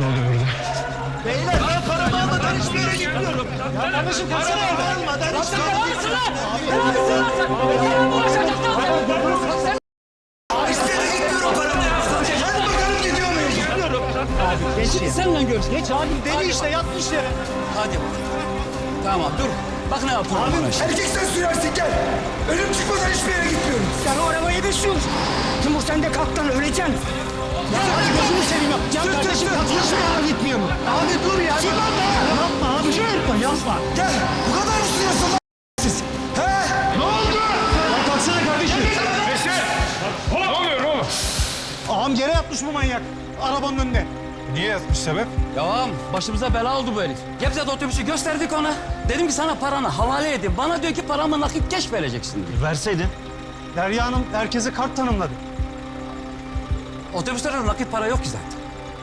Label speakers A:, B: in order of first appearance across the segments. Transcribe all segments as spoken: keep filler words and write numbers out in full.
A: Ne oluyor burada?
B: Beyler ben paramı almadan hiçbir yere gitmiyorum.
C: Ya kardeşim kaçsana
B: Paramı almadan hiçbir yere gitmiyorum. Hiçbir yere gitmiyorum paramı almadan. Hadi bakalım gidiyor muyum? Gitmiyorum.
C: Abi geç ya. Seninle gör. Geç abi deli işte yatmış yere.
D: Hadi. Tamam dur. Bak ne yapıyorum
B: Abi
D: bana şimdi.
B: erkek sen sürersin gel. Ölüm çıkmadan hiçbir yere gitmiyorum.
C: Sen o arabayı bir sür. Timur sen de kalk lan öleceksin. Ya hadi gözünü seveyim. Ya
B: Sür,
C: kardeşim
B: sür, sür.
C: kalk hiçbir yere gitmiyorum.
B: Abi dur ya.
C: Yapma abi. Yapma yapma.
B: Gel. Bu kadar mı sürüyorsun lan siz? He?
A: Ne oldu?
C: Ya kalksana kardeşim.
A: Veysel! Ne oluyor oğlum?
C: Ağam yere yatmış bu manyak. Arabanın önüne.
A: Niye yatmış sebep?
D: Ya başımıza bela oldu bu herif. Gebze'de otobüsü gösterdik ona. Dedim ki sana paranı havale edin. Bana diyor ki paramı nakit geç vereceksin diyor.
C: Verseydin. Derya Hanım herkese kart tanımladı.
D: Otobüslerde nakit para yok ki zaten.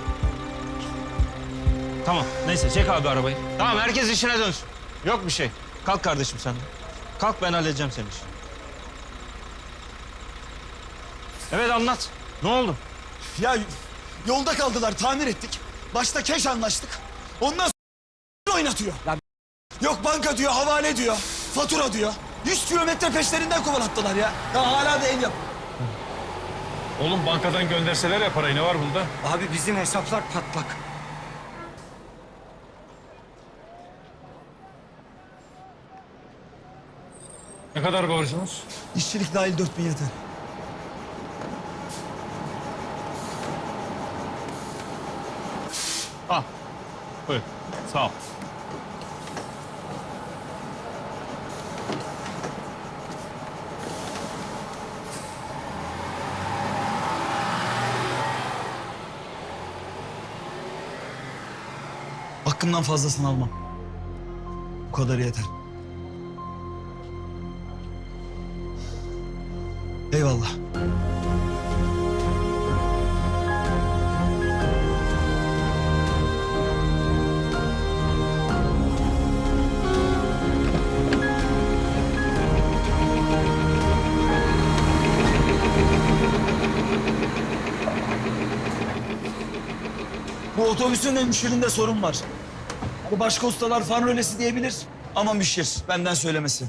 E: Tamam neyse çek abi arabayı. Tamam herkes işine dönsün. Yok bir şey. Kalk kardeşim sen de. Kalk ben halledeceğim senin işi. Evet anlat. Ne oldu?
B: Ya yolda kaldılar tamir ettik. Başta keş anlaştık. Ondan sonra oynatıyor. Yok banka diyor, havale diyor, fatura diyor. Yüz kilometre peşlerinden kovalattılar ya. Ya hala da ev yap.
A: Oğlum bankadan gönderseler ya parayı, ne var bunda?
C: Abi bizim hesaplar patlak.
A: Ne kadar borcunuz?
B: İşçilik dahil dört bin yeter.
E: Al. Buyur. Sağ ol.
B: Hakkımdan fazlasını almam. Bu kadar yeter. Eyvallah. Bu otobüsün hemşirinde sorun var. Bu başka ustalar fan rölesi diyebilir ama müşir. Benden söylemesi.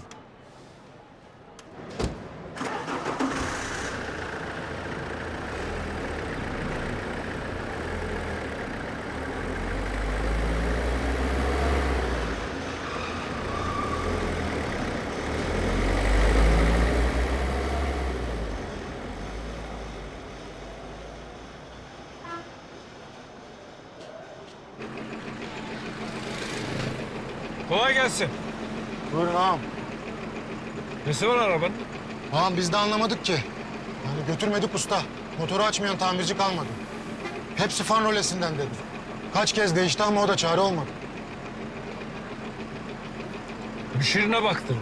A: Kolay gelsin.
F: Buyurun ağam.
A: Nesi var arabanın?
F: Ağam biz de anlamadık ki. Yani götürmedik usta. Motoru açmayan tamirci kalmadı. Hepsi fan rolesinden dedi. Kaç kez değişti ama o da çare olmadı.
A: Müşirine baktırın.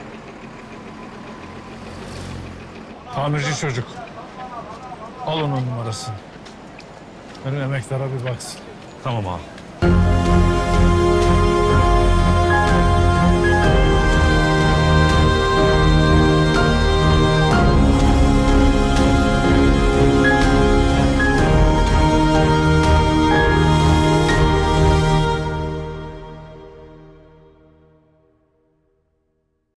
A: Tamirci çocuk. Al onun numarasını. Benim emektara bir baksın.
E: Tamam abi.